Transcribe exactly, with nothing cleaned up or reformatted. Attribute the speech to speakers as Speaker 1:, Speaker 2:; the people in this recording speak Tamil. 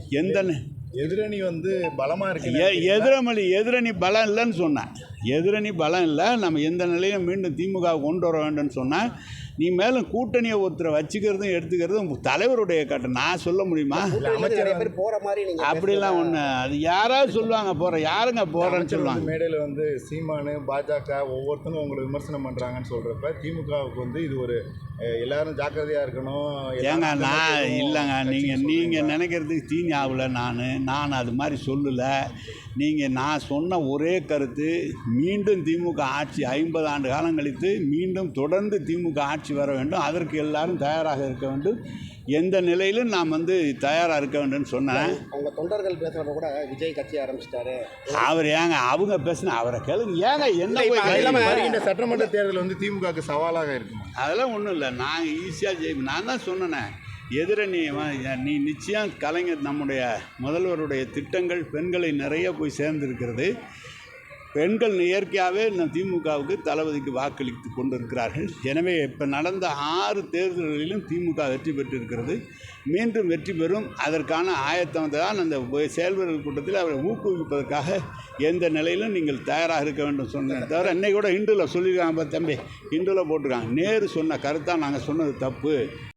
Speaker 1: எந்த
Speaker 2: எதிரணி வந்து பலமாக இருக்கு.
Speaker 1: எதிரமொழி எதிரணி பலம் இல்லைன்னு சொன்னேன். எதிரணி பலம் இல்லை. நம்ம எந்த நிலையும் மீண்டும் திமுக கொண்டு வர வேண்டும்னு சொன்னால், நீ மேலும் கூட்டணியை ஒருத்தரை வச்சுக்கிறதும் எடுத்துக்கிறதும் தலைவருடைய கட்டம். நான் சொல்ல முடியுமா?
Speaker 3: அமைச்சர் போற மாதிரி
Speaker 1: அப்படிலாம் ஒன்று அது யாராவது சொல்லுவாங்க போகிற யாருங்க போகிறேன்னு சொல்லுவாங்க.
Speaker 2: மேடையில் வந்து சீமானு பாஜக ஒவ்வொருத்தரும் உங்களை விமர்சனம் பண்ணுறாங்கன்னு சொல்கிறப்ப திமுகவுக்கு வந்து இது ஒரு எல்லாரும் ஜாக்கிரதையாக இருக்கணும்.
Speaker 1: ஏங்க நான் இல்லைங்க, நீங்கள் நீங்கள் நினைக்கிறதுக்கு தீனி ஆகலை. நான் நான் அது மாதிரி சொல்லலை. நீங்கள் நான் சொன்ன ஒரே கருத்து, மீண்டும் திமுக ஆட்சி ஐம்பது ஆண்டு காலம் கழித்து மீண்டும் தொடர்ந்து திமுக ஆட்சி வர வேண்டும். அதற்கு எல்லாரும் தயாராக இருக்க வேண்டும். எந்த நிலையிலும் நாம் வந்து தயாராக இருக்க வேண்டும்னு சொன்னேன்.
Speaker 3: அவங்க தொண்டர்கள் பேசுகிறப்ப கூட விஜய் கட்சி ஆரம்பிச்சிட்டாரு.
Speaker 1: அவர் ஏங்க அவங்க பேசுன அவரை கேளுங்க. ஏங்க என்ன போய்
Speaker 2: இந்த சட்டமன்ற தேர்தல் வந்து திமுகவுக்கு சவாலாக இருக்கும்.
Speaker 1: அதெல்லாம் ஒன்றும் இல்லை. நாங்கள் ஈஸியாக ஜெயிப்போம். நான் தான் சொன்னேன், எதிரணி நீ நிச்சயம் கலைஞர் நம்முடைய முதல்வருடைய திட்டங்கள் பெண்களை நிறைய போய் சேர்ந்திருக்கிறது. பெண்கள் இயற்கையாகவே நம் திமுகவுக்கு தளபதிக்கு வாக்களித்து கொண்டிருக்கிறார்கள். எனவே இப்போ நடந்த ஆறு தேர்தல்களிலும் திமுக வெற்றி பெற்றிருக்கிறது. மீண்டும் வெற்றி பெறும். அதற்கான ஆயத்தம் தான் அந்த செயல்வர்கள் கூட்டத்தில் அவரை ஊக்குவிப்பதற்காக எந்த நிலையிலும் நீங்கள் தயாராக இருக்க வேண்டும் சொன்னேன். தவிர இன்னைக்கு கூட இந்துல சொல்லியிருக்காங்க, தம்பி இந்துல போட்டிருக்காங்க, நேரு சொன்ன கருத்தாக நாங்கள் சொன்னது தப்பு.